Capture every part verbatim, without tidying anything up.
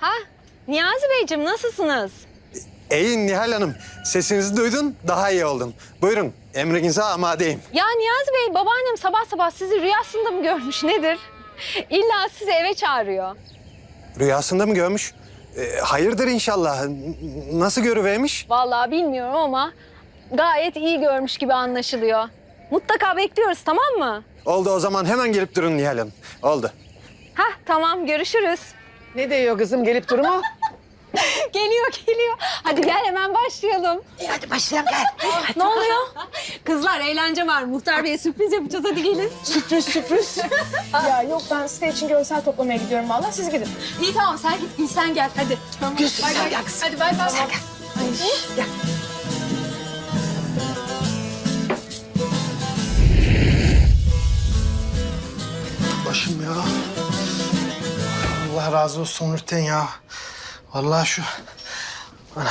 Ha, Niyazi Beyciğim nasılsınız? İyi Nihal Hanım. Sesinizi duydun, daha iyi oldum. Buyurun, emrinize amadeyim. Ya Niyazi Bey, babaannem sabah sabah sizi rüyasında mı görmüş nedir? İlla sizi eve çağırıyor. Rüyasında mı görmüş? Ee, hayırdır inşallah. N- Nasıl görüvermiş? Vallahi bilmiyorum ama gayet iyi görmüş gibi anlaşılıyor. Mutlaka bekliyoruz, tamam mı? Oldu o zaman hemen gelip durun Nihal Hanım. Oldu. Hah, tamam, görüşürüz. Ne diyor kızım gelip durma? Geliyor, geliyor. Hadi gel hemen başlayalım. İyi hadi başlayalım gel. Ne oluyor? Kızlar eğlence var. Muhtar Bey'e sürpriz yapacağız. Hadi gelin. Sürpriz sürpriz. Ya yok ben site için görsel toplamaya gidiyorum vallahi siz gidin. İyi tamam sen git, Gül sen gel. Hadi. Tamam. Gülsün Bay sen bay. gel kızım. Hadi bay bay. Sen gel. Gel. Başım ya. Allah razı olsun Nurten ya. Vallahi şu... Anam.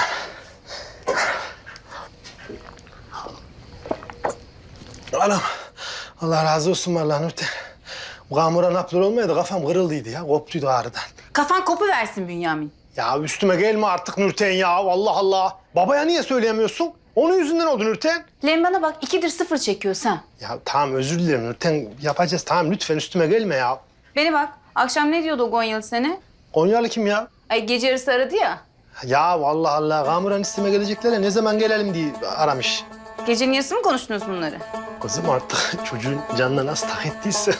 Anam. Allah razı olsun vallahi Nurten. Bu kamuran haplar olmaydı kafam kırıldıydı ya. Koptuydu ağrıdan. Kafan kopu versin Bünyamin. Ya üstüme gelme artık Nurten ya. Allah Allah. Babaya niye söyleyemiyorsun? Onun yüzünden oldu Nurten. Lan bana bak ikidir sıfır çekiyorsan. Ya tamam özür dilerim Nurten. Yapacağız tamam lütfen üstüme gelme ya. Beni bak akşam ne diyordu o Gonyalı seni? Konyalı kim ya? Ay gece yarısı aradı ya. Ya vallahi Allah kamuran isteme gelecekler ya ne zaman gelelim diye aramış. Gecenin yarısı mı konuştunuz bunları? Kızım artık çocuğun canına nasıl tak ettiyse.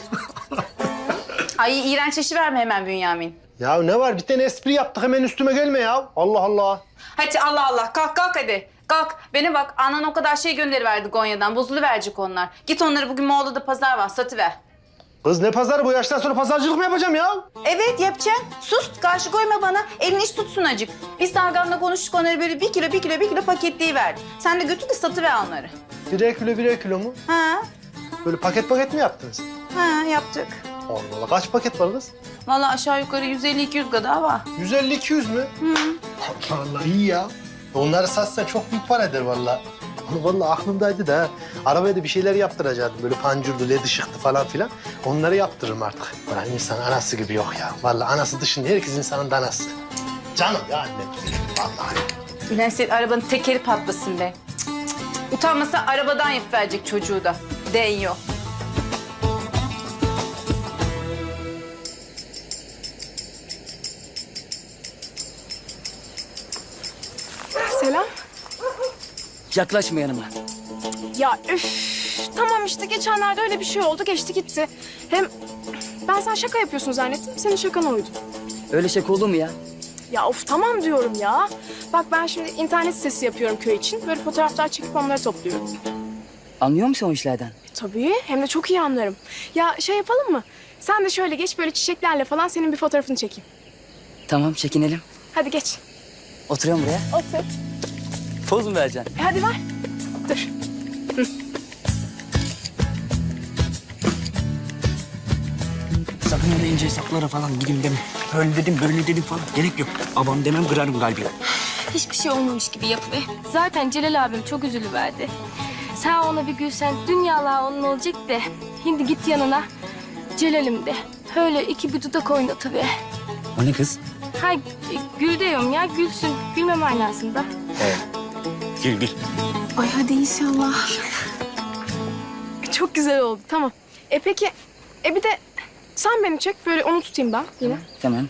Ay iğrenç eşi verme hemen Bünyamin. Ya ne var bir tane espri yaptık hemen üstüme gelme ya. Allah Allah. Hadi Allah Allah kalk kalk hadi. Kalk beni bak anan o kadar şey gönderiverdi Gonya'dan bozuluverecek onlar. Git onları bugün Moğol'da pazar var satıver. Kız ne pazarı bu yaştan sonra pazarcılık mı yapacağım ya? Evet yapacaksın. Sus karşı koyma bana. Elini iş tutsun acık. Biz Targan'la konuştuk onları böyle bir kilo bir kilo bir kilo paketleyiverdi. Sen de götür de satıver onları. Birer kilo birer kilo mu? Ha Böyle paket paket mi yaptınız? ha yaptık. Allah Allah kaç paket var kız? Vallahi aşağı yukarı yüz elli iki yüz kadar var. yüz elli iki yüz mü? Hı. Allah Allah iyi ya. Onları satsan çok büyük para eder vallahi. Vallahi aklımdaydı da arabaya da bir şeyler yaptıracaktım. Böyle pancurdu, led ışıktı falan filan. Onları yaptırırım artık. Ulan insan anası gibi yok ya. Vallahi anası dışında herkes insanın danası. Canım ya annem. Vallahi. Ulan senin arabanın tekeri patlasın be. Cık, cık, cık. Utanmasa arabadan yapıverecek çocuğu da. Değiyor. Selam. Yaklaşma yanıma. Ya üf tamam işte geçenlerde öyle bir şey oldu geçti gitti. Hem ben sen şaka yapıyorsun zannettim senin şakan oydu. Öyle şaka olur mu ya? Ya of tamam diyorum ya. Bak ben şimdi internet sitesi yapıyorum köy için. Böyle fotoğraflar çekip onları topluyorum. Anlıyor musun o işlerden? Tabii hem de çok iyi anlarım. Ya şey yapalım mı? Sen de şöyle geç böyle çiçeklerle falan senin bir fotoğrafını çekeyim. Tamam çekinelim. Hadi geç. Oturuyorum buraya. Otur. Poz mu vereceksin? E, hadi ver. Dur. Sakın öyle ince hesaplara falan gideyim deme. Öyle dedim böyle dedim falan. Gerek yok. Babam demem kırarım kalbini. Hiçbir şey olmamış gibi yapıver. Zaten Celal abim çok üzülüverdi. Sen ona bir gülsen dünyalar onun olacak de. Şimdi git yanına Celal'im de. Öyle iki bir dudak oynatıver. O ne kız? Ha gül diyorum ya gülsün. Gülme manasında. Gül gül. Ay hadi inşallah. E, çok güzel oldu tamam. E peki e bir de sen beni çek böyle onu tutayım ben yine. Tamam.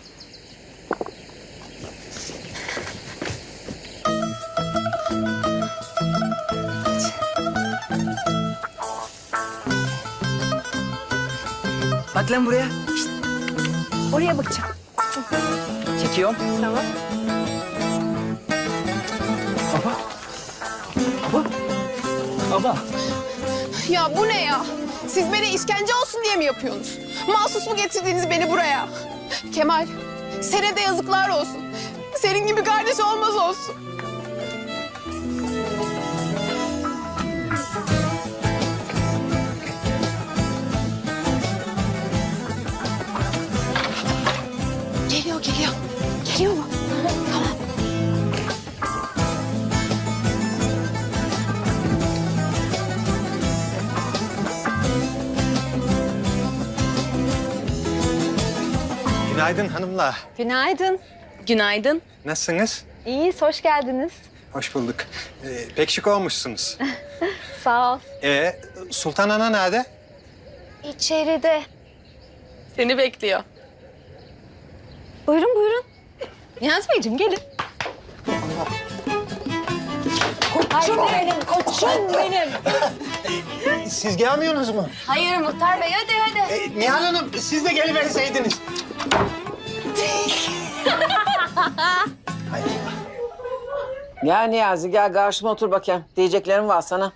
Bak lan buraya. Oraya bakacağım. Çekiyorum. Tamam. Baba. Baba. Baba. Ya bu ne ya? Siz beni işkence olsun diye mi yapıyorsunuz? Mahsus mu getirdiniz beni buraya? Kemal, sana de yazıklar olsun. Senin gibi kardeş olmaz olsun. Geliyor, geliyor. Geliyor mu? Tamam. Günaydın hanımlar. Günaydın. Günaydın. Nasılsınız? İyiyiz, hoş geldiniz. Hoş bulduk. Ee, pek şık olmuşsunuz. Sağ ol. Ee, Sultan Ana nerede? İçeride. Seni bekliyor. Buyurun buyurun. Niyazi Beyciğim gelin. Koçum benim, koçum benim. Siz gelmiyorsunuz mu? Hayır Muhtar Bey, hadi hadi. Ee, Nihal Hanım, siz de geliverseydiniz. Ya Niyazi gel karşıma otur bakayım. Diyeceklerim var sana.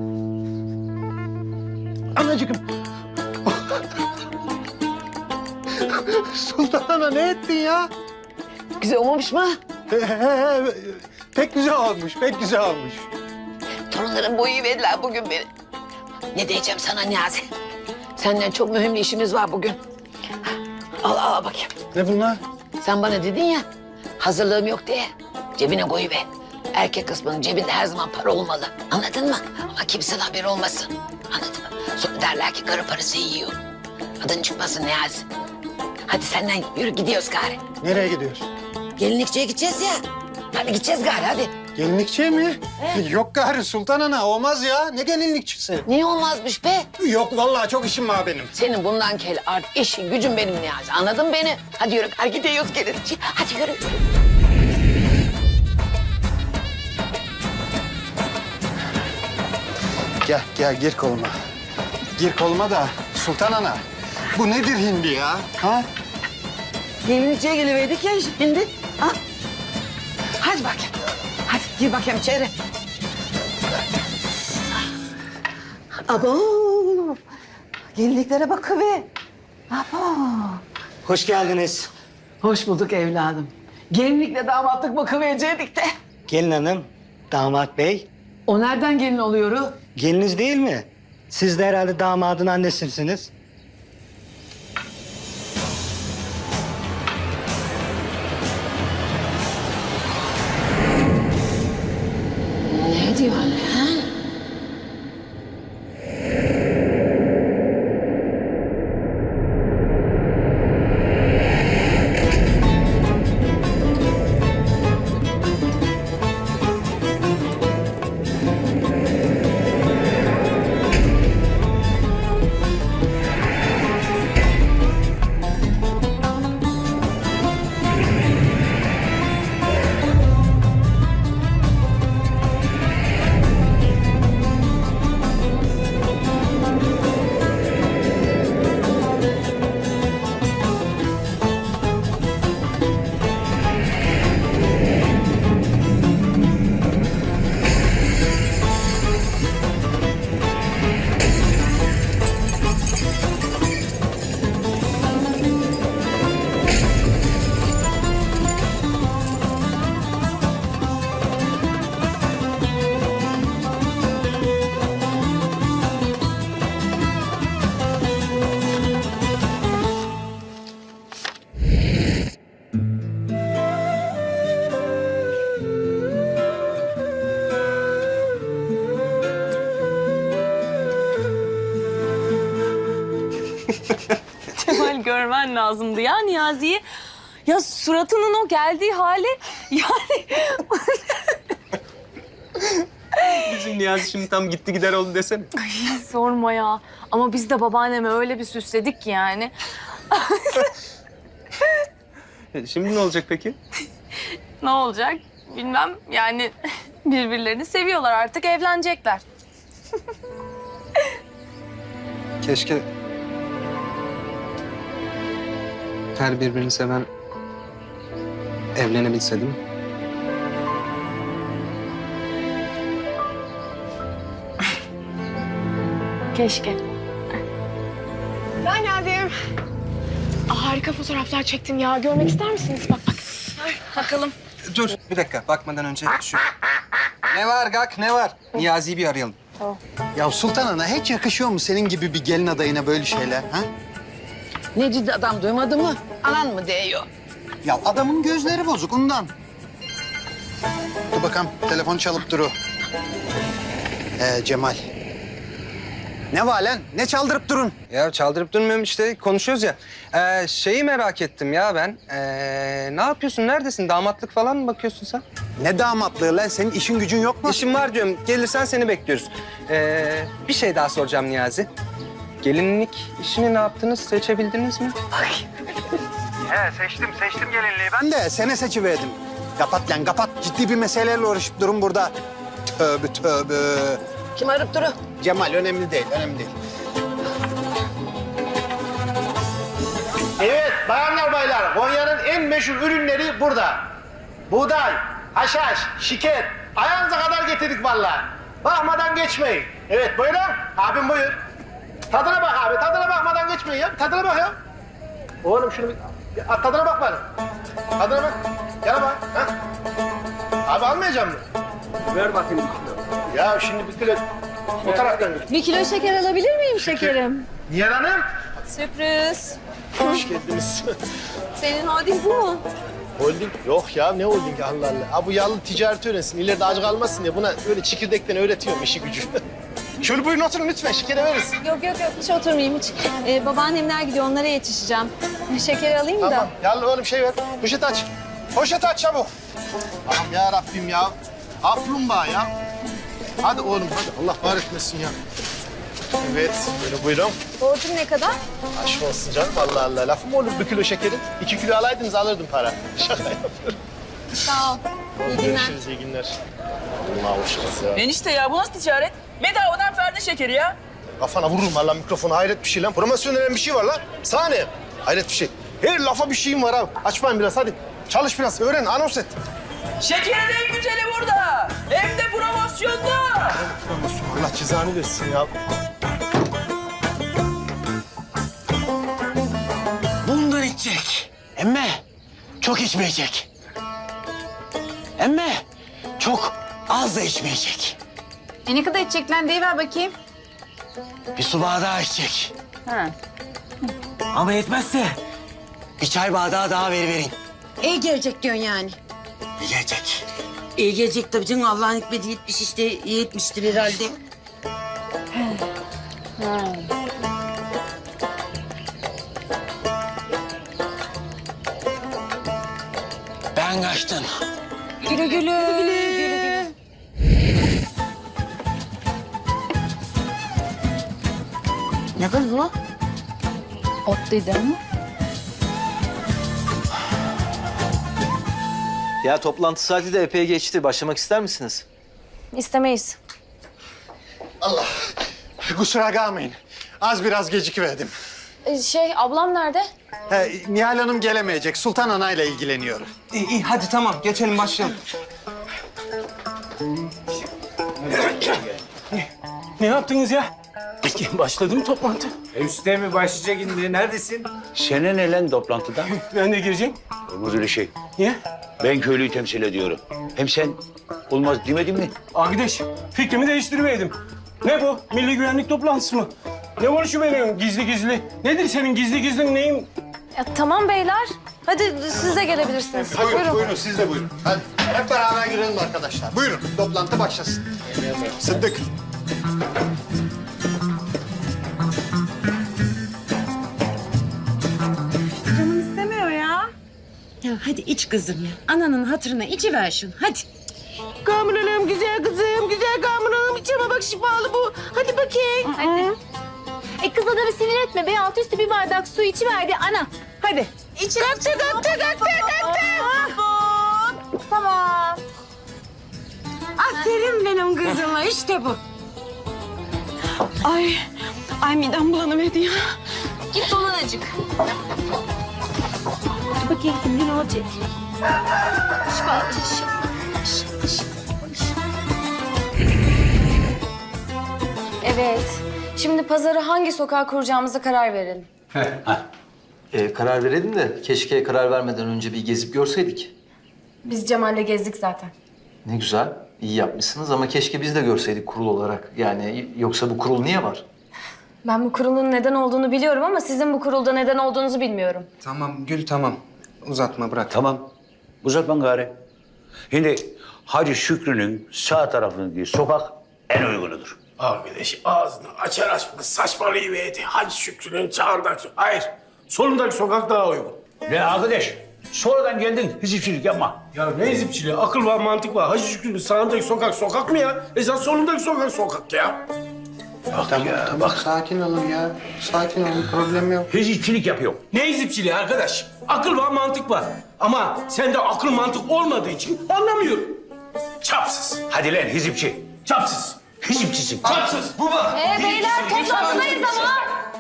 Anacığım. Sultan Ana ne ettin ya? Güzel olmamış mı? Pek güzel olmuş, pek güzel olmuş. Torunların boyu verdiler bugün beni. Ne diyeceğim sana Niyazi? Senden çok mühim bir işimiz var bugün. Al al bakayım. Ne bunlar? Sen bana dedin ya hazırlığım yok diye cebine koyuver. Erkek kısmının cebinde her zaman para olmalı. Anladın mı? Ama kimsenin haberi olmasın. Anladın mı? Sonra derler ki karı parası yiyor. Adın çıkmasın Niyazi. Hadi senden yürü gidiyoruz gari. Nereye gidiyoruz? Gelinlikçiye gideceğiz ya. Hadi gideceğiz gari hadi. Gelinlikçiye mi? Yok gari Sultan Ana, olmaz ya. Ne gelinlikçisi? Niye olmazmış be? Yok vallahi çok işim var benim. Senin bundan kel art işin gücün benim Niyazi. Anladın mı beni? Hadi yürü gari gidiyoruz gelinlikçiye. Hadi yürü. Gel, gel gir koluma. Gir koluma da Sultan Ana. Bu nedir hindi ya? Ha? Gelinlikçiye geliverdik ya şimdi. Ha? Hadi bakayım. Hadi gir bakayım içeri. Abo. Gelinliklere bakıver. Abo. Hoş geldiniz. Hoş bulduk evladım. Gelinlikle damatlık bakıverecektik de. Gelin hanım, damat bey. O nereden gelin oluyor o? Geliniz değil mi? Siz de herhalde damadın annesisiniz. Ne diyor anne? Ha? Kemal görmen lazımdı ya Niyazi'yi. Ya suratının o geldiği hali yani... Bizim Niyazi şimdi tam gitti gider oldu desene. Sorma ya. Ama biz de babaanneme öyle bir süsledik ki yani. E, Şimdi ne olacak peki? Ne olacak bilmem yani birbirlerini seviyorlar artık evlenecekler. Keşke her birbirini seven evlenebilse değil mi? Keşke. Ben geldim. Aa, harika fotoğraflar çektim ya. Görmek ister misiniz? Bak bak. Bakalım. Dur bir dakika bakmadan önce şu... Ne var Gak ne var? Niyazi'yi bir arayalım. Ya Sultan Ana hiç yakışıyor mu senin gibi bir gelin adayına böyle şeyler? Ha? Ne ciddi adam duymadı mı? Anan mı diyor? Ya adamın gözleri bozuk ondan. Dur bakalım telefon çalıp duru. Ee, Cemal. Ne var lan? Ne çaldırıp durun? Ya çaldırıp durmuyorum işte konuşuyoruz ya. Ee, şeyi merak ettim ya ben. Ee, ne yapıyorsun? Neredesin? Damatlık falan mı bakıyorsun sen? Ne damatlığı lan? Senin işin gücün yok mu? İşim var diyorum. Gelirsen seni bekliyoruz. Ee, bir şey daha soracağım Niyazi. Gelinlik işini ne yaptınız? Seçebildiniz mi? He seçtim, seçtim gelinliği. Ben de sene seçiverdim. Kapat lan kapat. Ciddi bir meseleyle uğraşıp durun burada. Tövbe tövbe. Kim arıp duru? Cemal önemli değil, önemli değil. Evet bayanlar baylar, Konya'nın en meşhur ürünleri burada. Buğday, haşhaş, şeker, ayağınıza kadar getirdik vallahi. Bakmadan geçmeyin. Evet buyurun, abim buyur. Tadına bak abi, tadına bakmadan geçmeyin ya. Tadına bak ya. Oğlum şunu bir, bir tadına bak bana. Tadına bak, yana bak. Ha? Abi almayacak mı? Ver bakayım. Ya şimdi bir kilo o taraftan git. Bir kilo şeker alabilir miyim şekerim? Nihal Hanım. Sürpriz. Hoş geldiniz. Senin holding bu mu? Holding? Yok ya ne holding Allah Allah. Ha bu yallı ticareti öğrensin. İleride aç kalmasın diye buna böyle çekirdekten öğretiyorum işi gücü. Şöyle buyurun oturun lütfen şekeri veririz. Yok yok yok hiç oturmayayım hiç. Ee, babaannemler gidiyor onlara yetişeceğim. Şekeri alayım Tamam. da. Yallı oğlum şey ver. Poşet aç. Poşet aç çabuk. Allah'ım ya Rabbim ya. Kaplumbağa ya. Hadi oğlum hadi. Allah var etmesin ya. Evet, böyle buyurun. Borcum ne kadar? Aşk olsun canım Allah Allah. Lafı mı olur bir kilo şekerin? İki kilo alaydınız alırdım para. Şaka yapıyorum. Sağ ol. İyi günler. Görüşürüz, iyi günler. Allah hoşçakalın ya. Enişte ya bu nasıl ticaret? Bedavadan Ferdi şekeri ya. Kafana vururum valla mikrofonu. Hayret bir şey lan. Promosyon denen bir şey var lan. Sahne. Hayret bir şey. Her lafa bir şeyim var abi. Açmayın biraz hadi. Çalış biraz. Öğren, anons et. Şekerin en güzeli burada. Hem de promosyonda. Promosyon. Allah cezanı versin ya. Bundan içecek. Emme çok içmeyecek. Emme çok az da içmeyecek. E ne kadar içecek lan? Deyiver bakayım. Bir su bardağı içecek. Ha. Ama yetmezse bir çay bardağı daha veriverin. İyi gelecek diyorsun yani. Yiyecek. İyi gelecek tabii canım. Allah'ın hikmeti yetmiş işte. İyi etmiştir herhalde. Ben kaçtım. Güle güle. Güle güle. Ne kız bu? Ot dedi ama. Ya toplantı saati de epey geçti. Başlamak ister misiniz? İstemeyiz. Allah. Kusura kalmayın. Az biraz gecikiverdim. Ee, şey ablam nerede? He, Nihal Hanım gelemeyecek. Sultan Ana ile ilgileniyor. İyi, iyi hadi tamam geçelim başlayalım. Ne yaptınız ya? Peki başladı mı toplantı? Üste mi başlayacak indi? Neredesin? Sene ne lan toplantıda? Ben de gireceğim. Olmaz öyle şey. Niye? Ben köylüyü temsil ediyorum. Hem sen olmaz demedin mi? Arkadaş fikrimi değiştirmeydim. Ne bu? Milli güvenlik toplantısı mı? Ne konuşuyorsun gizli gizli? Nedir senin gizli gizli neyin? Ya, tamam beyler. Hadi siz de gelebilirsiniz. Buyurun, buyurun, siz de buyurun. Hadi hep beraber girelim arkadaşlar. Buyurun, toplantı başlasın. Sıddık. Canım istemiyor ya. Ya hadi iç kızım ya. Ananın hatırına içiver şunu hadi. Kamranım güzel kızım, güzel kamranım. İçeme bak şifalı bu. Hadi bakayım. Hadi. E kız adamı sinir etme be. Altı üstü bir bardak su içiverdi ana. Hadi. İç. Kalktı, kalktı, kalktı, kalktı. Tamam. Aferin benim kızıma, işte bu. Ay, ay midem bulanıverdi ya. Git dolan acık. Dur bakayım şimdi ne olacak? Evet. Şimdi pazarı hangi sokağa kuracağımıza karar verelim. Ee, karar verelim de keşke karar vermeden önce bir gezip görseydik. Biz Cemal'le gezdik zaten. Ne güzel, iyi yapmışsınız ama keşke biz de görseydik kurul olarak. Yani yoksa bu kurul niye var? Ben bu kurulun neden olduğunu biliyorum ama sizin bu kurulda neden olduğunuzu bilmiyorum. Tamam Gül tamam. Uzatma bırak. Tamam. Uzatma gari. Şimdi Hacı Şükrü'nün sağ tarafındaki sokak en uygunudur. Arkadaş ağzını açar açmaz saçmalayıverdi. Hacı Şükrü'nün çağırdaki... Hayır, solundaki sokak daha uygun. Ne arkadaş? Sonradan geldin hizipçilik yapma. Ya ne hizipçiliği? Akıl var, mantık var. Hacı Şükrü'nün sağındaki sokak sokak mı ya? Esas solundaki sokak sokak ya. Bak Tamam, ya, tamam. bak. Sakin olun ya. Sakin olun. Problem yok. Hizipçilik yapıyor. Ne hizipçiliği arkadaş? Akıl var, mantık var. Ama sende akıl mantık olmadığı için anlamıyorum. Çapsız. Hadi lan hizipçi. Çapsız. Hizipçisin. Çapsız. Bu bak. Ee beyler toplantıdayız ama.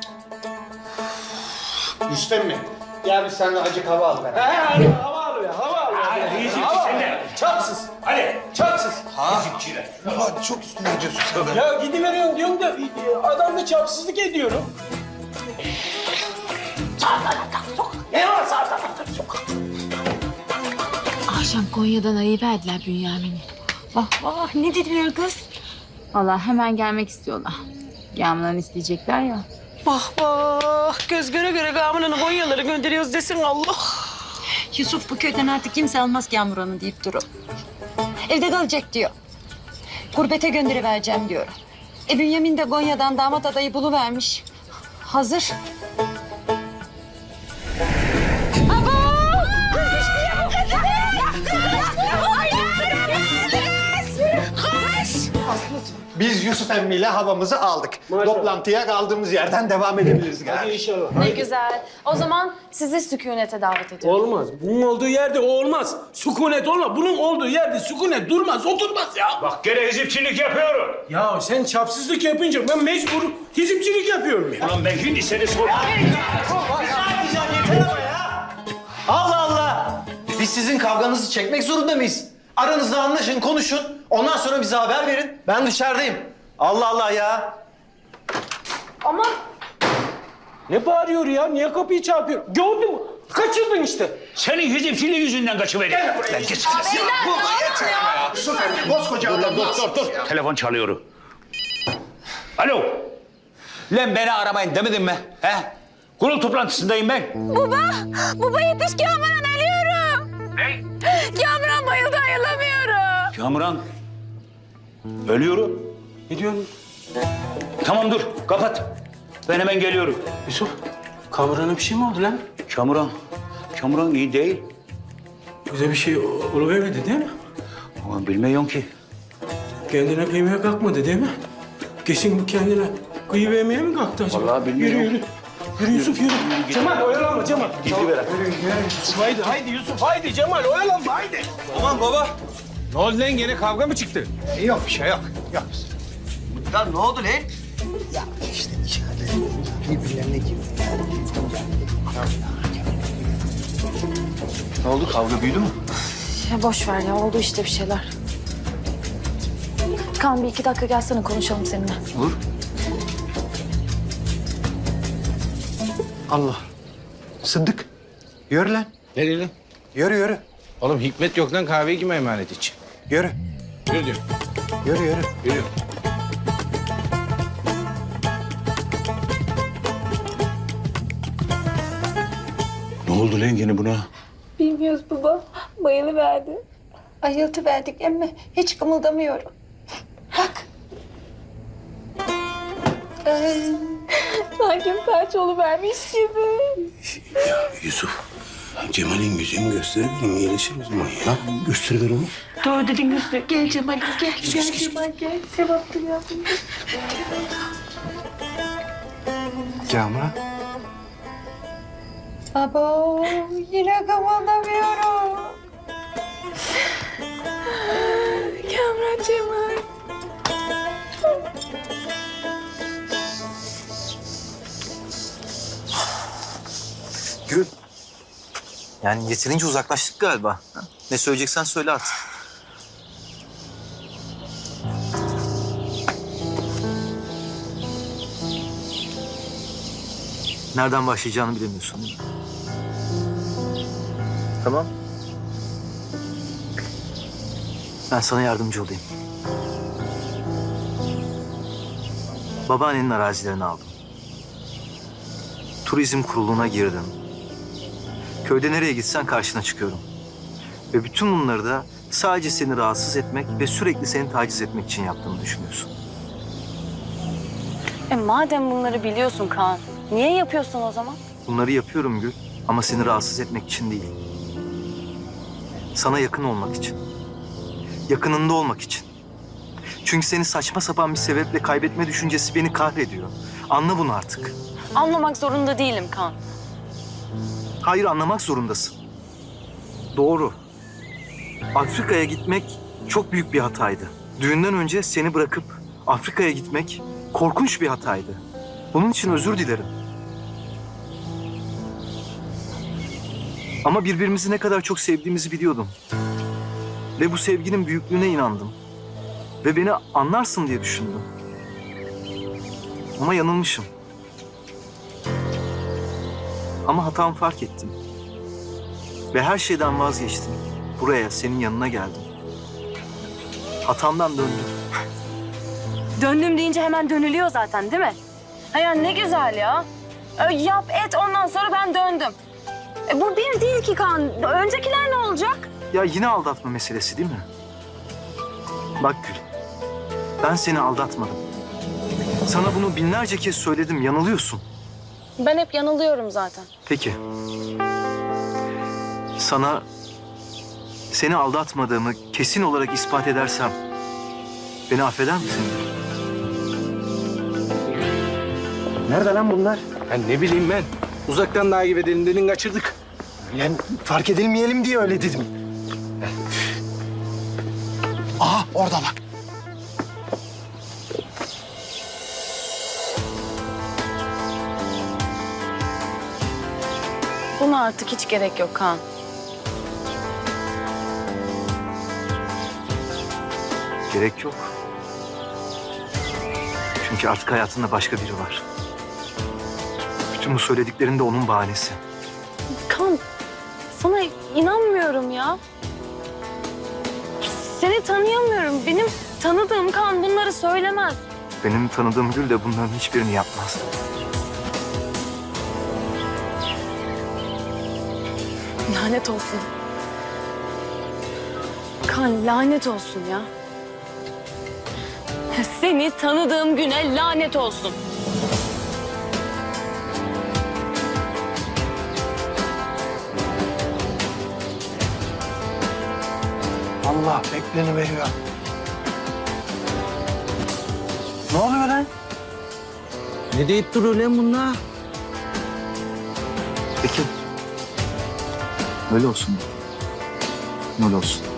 Rüstem mi? Gel biz seninle acık hava al be. He, hadi hava al ya, hava al ya. Hadi hizipçi Hava al. sen de. Çapsız. Hadi. Çapsız. Hizipçiler. Hadi çok üstüne gidiyorsun tabii. Ya gidiveriyorum diyorum da e, adam da çapsızlık ediyorum. Sağ taraftan sokak. Ne var sağ taraftan sokak? Akşam Konya'dan arayıp verdiler Bünyamin'i. Vah vah ne dediler kız? Vallahi hemen gelmek istiyorlar. Yağmurdan isteyecekler ya. Bah bah. Göz göre göre gamının Konyaları gönderiyoruz desin Allah. Yusuf bu köyden artık kimse almaz Kamuran'ı deyip durup. Evde kalacak diyor. Gurbete gönderivereceğim diyor. E Bünyamin de Konya'dan damat adayı buluvermiş. Hazır. Biz Yusuf emmiyle havamızı aldık. Toplantıya kaldığımız yerden devam edebiliriz galiba. Hadi inşallah. Ne güzel. O zaman sizi sükunete davet ediyorum. Olmaz. Bunun olduğu yerde o olmaz. Sükunet olmaz. Bunun olduğu yerde sükunet durmaz, oturmaz ya. Bak gene hizipçilik yapıyorum. Ya sen çapsızlık yapınca ben mecbur hizipçilik yapıyorum ya. Ulan ben şimdi seni sorayım. Allah Allah! Biz sizin kavganızı çekmek zorunda mıyız? Aranızda anlaşın, konuşun. Ondan sonra bize haber verin. Ben dışarıdayım. Allah Allah ya! Ama Ne bağırıyor ya? Niye kapıyı çarpıyor? Gördün mü? Kaçırdın işte. Senin hizipçiliğin yüzünden kaçıverdim. Lan git. Yusuf emmi koskoca adam. Dur dur dur. Telefon çalıyor. Alo. Lan beni aramayın demedim mi? He? Kurul toplantısındayım ben. baba, baba yetiş Kamuran ölüyorum. Ne? Kamuran bayıldı ayılamıyorum. Kamuran. Ölüyorum. Ne diyorsun? Tamam dur kapat. Ben hemen geliyorum. Yusuf, Kamuran'a bir şey mi oldu lan? Kamuran. Kamuran iyi değil. Bize bir şey oluvermedi değil mi? Ama bilmiyorum ki. Kendine kıymaya kalkmadı değil mi? Kesin bu kendine kıyıvermeye mi kalktı acaba? Vallahi bilmiyorum. Yürü yürü. Yürü Yusuf yürü. Cemal oyalanma Cemal. Gizli ver. Yusuf haydi haydi Yusuf haydi Cemal oyalanma haydi. Aman baba. Ne oldu lan gene kavga mı çıktı? Yok bir şey yok. Yok. Ya ne oldu lan? Ya işte içeride birbirlerine girdi. Ne oldu? Kavga büyüdü mü? Ya boş ver ya oldu işte bir şeyler. Kaan bir iki dakika gelsene konuşalım seninle. Olur. Allah. Sıddık. Yürü lan. Nereye lan? Yürü yürü. Oğlum hikmet yok lan kahveyi kime emanet için? Yürü. Yürü diyor. Yürü yürü. Yürü. Ne oldu lan gene buna? Bilmiyoruz baba. Bayılıverdi. Ayıltı verdik emme hiç kımıldamıyorum. Bak. Sanki felç oluvermiş gibi. Yusuf. Cemal'in yüzünü gösterelim iyileşir o zaman ya. Göster onu. Doğru dedin Hüsnü. Gel Cemal gel. Gel Cemal gel. Sevaplı yavrum. Kamuran. Abo yine kımıldamıyorum. Kamuran Cemal. Gül. Yani yeterince uzaklaştık galiba. Ha? Ne söyleyeceksen söyle artık. Nereden başlayacağını bilemiyorsun değil mi? Tamam. Ben sana yardımcı olayım. Babaannenin arazilerini aldım. Turizm kuruluna girdim. Köyde nereye gitsen karşına çıkıyorum. Ve bütün bunları da sadece seni rahatsız etmek ve sürekli seni taciz etmek için yaptığımı düşünüyorsun. E madem bunları biliyorsun Kaan, niye yapıyorsun o zaman? Bunları yapıyorum Gül ama seni rahatsız etmek için değil. Sana yakın olmak için. Yakınında olmak için. Çünkü seni saçma sapan bir sebeple kaybetme düşüncesi beni kahrediyor. Anla bunu artık. Anlamak zorunda değilim Kaan. Hayır, anlamak zorundasın. Doğru. Afrika'ya gitmek çok büyük bir hataydı. Düğünden önce seni bırakıp Afrika'ya gitmek korkunç bir hataydı. Bunun için özür dilerim. Ama birbirimizi ne kadar çok sevdiğimizi biliyordum. Ve bu sevginin büyüklüğüne inandım. Ve beni anlarsın diye düşündüm. Ama yanılmışım. Ama hatamı fark ettim. Ve her şeyden vazgeçtim. Buraya, senin yanına geldim. Hatamdan döndüm. Döndüm deyince hemen dönülüyor zaten değil mi? Ha ya ne güzel ya. E, yap et ondan sonra ben döndüm. E, bu bir değil ki Kaan. Öncekiler ne olacak? Ya yine aldatma meselesi değil mi? Bak Gül, ben seni aldatmadım. Sana bunu binlerce kez söyledim, yanılıyorsun. Ben hep yanılıyorum zaten. Peki. Sana seni aldatmadığımı kesin olarak ispat edersem beni affeder misin? Nerede lan bunlar? Ben ne bileyim ben. Uzaktan takip edelim dedin kaçırdık. Yani fark edilmeyelim diye öyle dedim. Aha orada bak. Buna artık hiç gerek yok Kaan. Gerek yok. Çünkü artık hayatında başka biri var. Bütün bu söylediklerin de onun bahanesi. Kaan, sana inanmıyorum ya. Seni tanıyamıyorum. Benim tanıdığım Kaan bunları söylemez. Benim tanıdığım Gül de bunların hiçbirini yapmaz. Lanet olsun. Kaan lanet olsun ya. Seni tanıdığım güne lanet olsun. Allah bekleni veriyor. Ne oluyor lan? Ne deyip duruyor lan bunlar? Peki. Öyle olsun. Öyle olsun.